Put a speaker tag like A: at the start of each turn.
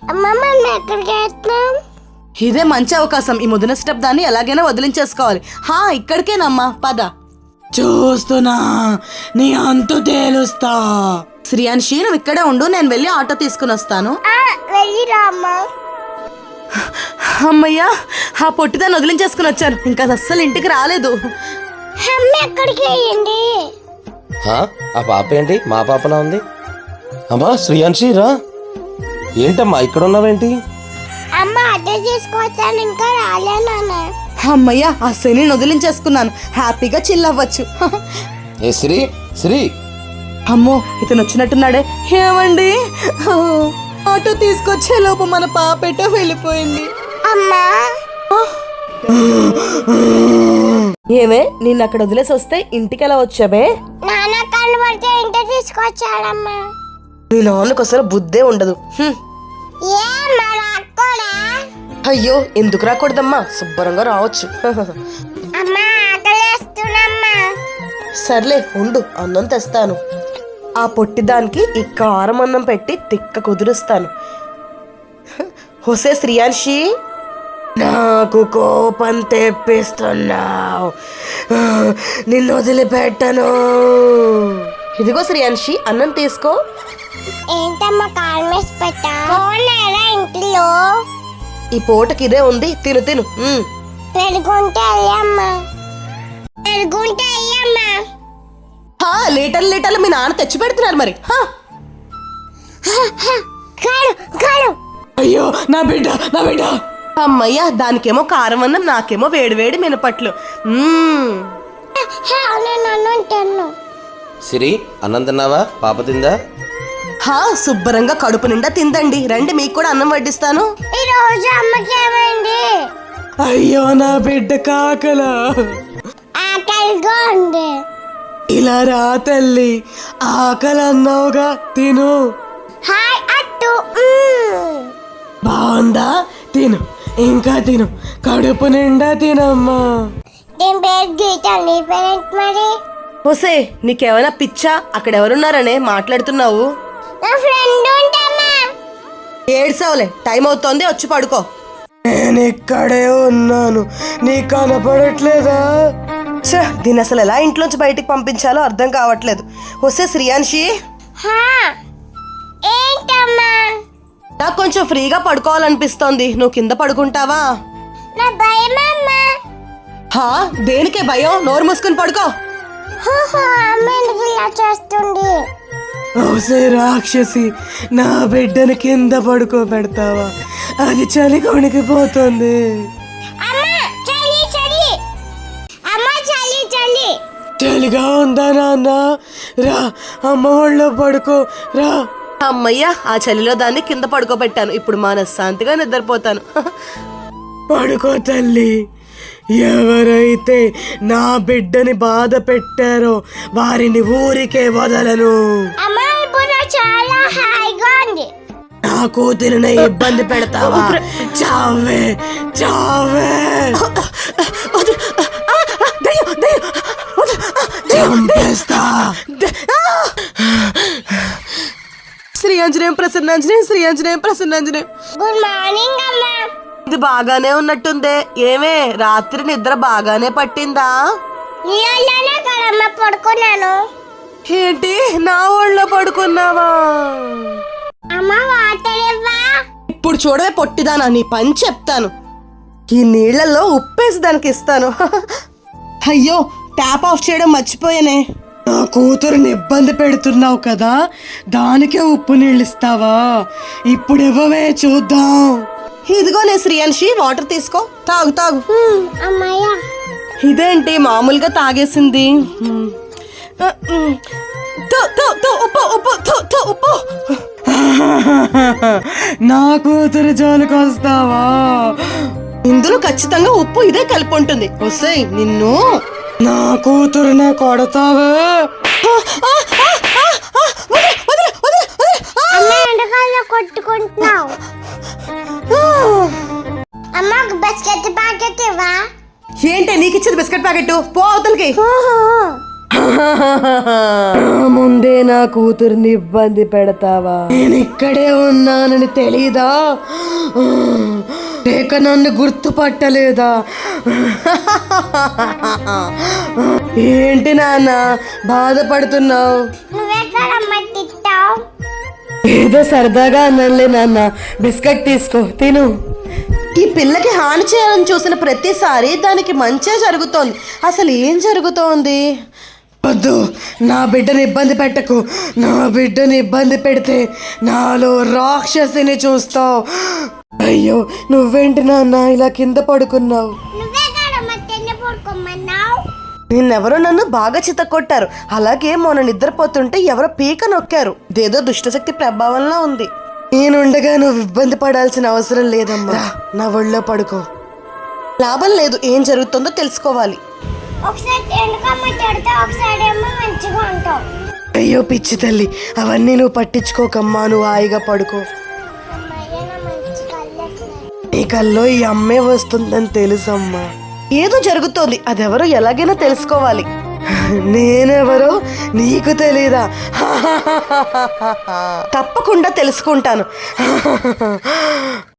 A: ఇదే మంచి అవకాశం. ఈ ముదిన స్టెప్ దాన్ని ఎలాగైనా వదిలించేసుకోవాలి. ఇక్కడికేనమ్మా, పద.
B: చూస్తున్నా, నీ అంతు తేలుస్తా.
A: శ్రీయాన్షి, నువ్వు ఇక్కడే ఉండు, నేను వెళ్ళి ఆటో తీసుకుని వస్తాను. అమ్మయ్యా, ఆ పొట్టిదాన్ని వదిలించేసుకుని వచ్చాను. ఇంకా అస్సలు ఇంటికి రాలేదు.
C: ఆ పాప ఏంటి మా పాపలా ఉంది? అమ్మా శ్రీయాన్షి రా. ఏంటమ్మా ఇక్కడ ఉన్నావేంటి?
A: అమ్మయ్యా, ఆ శని వదిలించేసుకున్నాను. హ్యాపీగా చిల్ అవ్వచ్చు.
C: ఏ శ్రీ శ్రీ.
A: అమ్మో, ఇతను వచ్చినట్టున్నాడే. ఏమండి, ఆటో తీసుకొచ్చే లోపు మన పాపెటో వెళ్ళిపోయింది. ఏమే, నిన్ను అక్కడ వదిలేసి వస్తే ఇంటికి ఎలా వచ్చావే? నీ నాన్నకు అసలు బుద్ధే ఉండదు. అయ్యో, ఎందుకు రాకూడదమ్మా, శుభ్రంగా రావచ్చు. సర్లే ఉండు, అన్నం తెస్తాను. ఆ పొట్టిదానికి ఈ కారం అన్నం పెట్టి తిక్క కుదురుస్తాను. హోసే శ్రీయాన్షి, నాకు కోపం తెప్పిస్తున్నావు, నిన్ను వదిలిపెట్టను. ఇదిగో శ్రీయాన్షి, అన్నం తీసుకో.
D: ఏంటమ్మా కారం వేసి పెట్టా? ఇంట్లో
A: ఈ పూటకి ఇదే ఉంది, తిను తిను.
D: పెరుగుంటే అయ్యమ్మా, పెరుగుంటే అయ్యమ్మా.
A: లీటర్లు మీ నాన్న తెచ్చి పెడుతున్నారు మరి.
B: అయ్యో నా బిడ్డ, నా బిడ్డ.
A: అమ్మయ్యా, దానికేమో కారం అన్నం, నాకేమో వేడివేడి మినపట్లు.
C: సిరి, అన్నం తిన్నావా? పాప తిందా?
A: శుభ్రంగా కడుపు నిండా తిందండి. రండి, మీకు కూడా అన్నం వడ్డిస్తాను.
D: ఈ రోజు అమ్మకి ఏమైంది?
B: అయ్యో నా బిడ్డ కాకలా.
D: ఆకలిగా ఉంది.
B: ఇలా రా తల్లి, ఆకలి అన్నావుగా, తిను.
D: హాయ్ అట్టు.
B: బాగుందా? తిను, ఇంకా తిను, కడుపు నిండా తినమ్మా.
D: నేను పేరు గీత, నీ పేరెంట్ మరి?
A: హోసే, నీకేమైనా పిచ్చా? అక్కడ ఎవరున్నారనే మాట్లాడుతున్నావు?
D: నా ఫ్రెండ్ ఉంటామా.
A: ఏడ్సావులే, టైం అవుతోంది, వచ్చి పడుకో.
B: నేను ఇక్కడే ఉన్నాను, నీకు కనపడట్లేదా?
A: దీన్ని అసలు ఎలా ఇంట్లోంచి బయటికి పంపించాలో అర్థం కావట్లేదు. హోసే శ్రీయాన్షి,
D: ఏంటమ్మా?
A: నాకు కొంచెం ఫ్రీగా పడుకోవాలనిపిస్తోంది, నువ్వు కింద పడుకుంటావా?
D: నా భయమమ్మా.
A: దేనికే భయం? నోరు మూసుకుని పడుకో.
D: చేస్తుంది.
B: ఓసే రాక్షసి, నా బిడ్డని కింద పడుకోబెడతావా? అది చలి కొనికిపోతుంది. చలిగా ఉందా నాన్న? రా, అమ్మ ఒళ్ళో పడుకో రా.
A: అమ్మయ్యా, ఆ చలిలో దాన్ని కింద పడుకోబెట్టాను. ఇప్పుడు మనశ్శాంతిగా నిద్రపోతాను.
B: పడుకో తల్లి. ఎవరైతే నా బిడ్డని బాధ పెట్టారో వారిని ఊరికే వదలను.
D: చాలా హాయిగా ఉంది.
B: నా కూతురిని ఇబ్బంది పెడతావా? చావే చావే. చంపేస్తా.
A: శ్రీయాంజనేయం ప్రసన్నాంజనేయం, శ్రీయాంజనేయం ప్రసన్నాంజనేయం.
D: గుడ్ మార్నింగ్ అమ్మా.
A: ఇది బాగానే ఉన్నట్టుందే. ఏమే, రాత్రి నిద్ర బాగానే పట్టిందా?
D: పడుకున్నాను.
A: ఏంటి, నా ఒళ్ళో పడుకున్నావా? ఇప్పుడు చూడవే పొట్టిదానా, నీ పని చెప్తాను. ఈ నీళ్లలో ఉప్పేసి దానికి ఇస్తాను. అయ్యో, ట్యాప్ ఆఫ్ చేయడం మర్చిపోయానే.
B: నా కూతురుని ఇబ్బంది పెడుతున్నావు కదా, దానికే ఉప్పు నీళ్ళు ఇస్తావా? ఇప్పుడు ఇవ్వవే చూద్దాం.
A: ఇదిగోనే శ్రీయాన్షి, వాటర్ తీసుకో, తాగు తాగు.
D: అమ్మయ్యా,
A: ఇదేంటి మామూలుగా తాగేసింది? ఉప్పు.
B: నా కూతురు జోలికి వస్తావా?
A: ఇందులో ఖచ్చితంగా ఉప్పు ఇదే కలిపి ఉంటుంది. వస్తాయి నిన్ను.
B: నా కూతురునే కొడతావే.
D: కొట్టుకుంటున్నావు. అమ్మ, బిస్కెట్ ప్యాకెట్ ఇవ్వా?
A: ఏంటి నీకు ఇచ్చేది బిస్కెట్ ప్యాకెట్? పో అవతలకి.
B: ముందే నా కూతుర్ని ఇబ్బంది పెడతావా? నేను ఇక్కడే ఉన్నానని తెలీదా? లేక నన్ను గుర్తుపట్టలేదా? ఏంటి నాన్న బాధపడుతున్నావు?
D: నువ్వెక్కడమ్మ తిట్టావు?
B: ఏదో సరదాగా అన్నానులే నాన్న. బిస్కెట్ తీసుకో, తిను.
A: ఈ పిల్లకి హాని చేయాలని చూసిన ప్రతిసారి దానికి మంచే జరుగుతోంది. అసలు ఏం జరుగుతోంది?
B: వద్దు, నా బిడ్డని ఇబ్బంది పెట్టకు. నా బిడ్డని ఇబ్బంది పెడితే నాలో రాక్షసిని చూస్తావు. అయ్యో, నువ్వేంటి నాన్న ఇలా కింద పడుకున్నావు?
D: నువ్వెక్కడమ్మ తిన్న పడుకోమన్నావు?
A: నిన్నెవరో నన్ను బాగా చితకొట్టారు. అలాగే మొన్న నిద్రపోతుంటే ఎవరో పీక నొక్కారు. ఇదేదో దుష్టశక్తి ప్రభావంలో ఉంది.
B: నేనుండగా నువ్వు ఇబ్బంది పడాల్సిన అవసరం లేదమ్మా. నా ఒళ్ళో పడుకో.
A: లాభం లేదు, ఏం జరుగుతుందో తెలుసుకోవాలి.
D: ఒకసారి ఎందుకమ్మ తిడతావు, ఒకసారి ఏమో మంచిగా ఉంటావు.
B: అయ్యో పిచ్చి తల్లి, అవన్నీ నువ్వు పట్టించుకోకమ్మా. నువ్వు హాయిగా పడుకో.
D: అమ్మయ్య నా మంచి కళ్ళేస్తున్నాయి.
B: నీ కల్లో ఈ అమ్మే వస్తుందని తెలుసమ్మా.
A: ఏదో జరుగుతోంది, అదెవరో ఎలాగైనా తెలుసుకోవాలి.
B: నేనెవరో నీకు తెలీదా?
A: తప్పకుండా తెలుసుకుంటాను.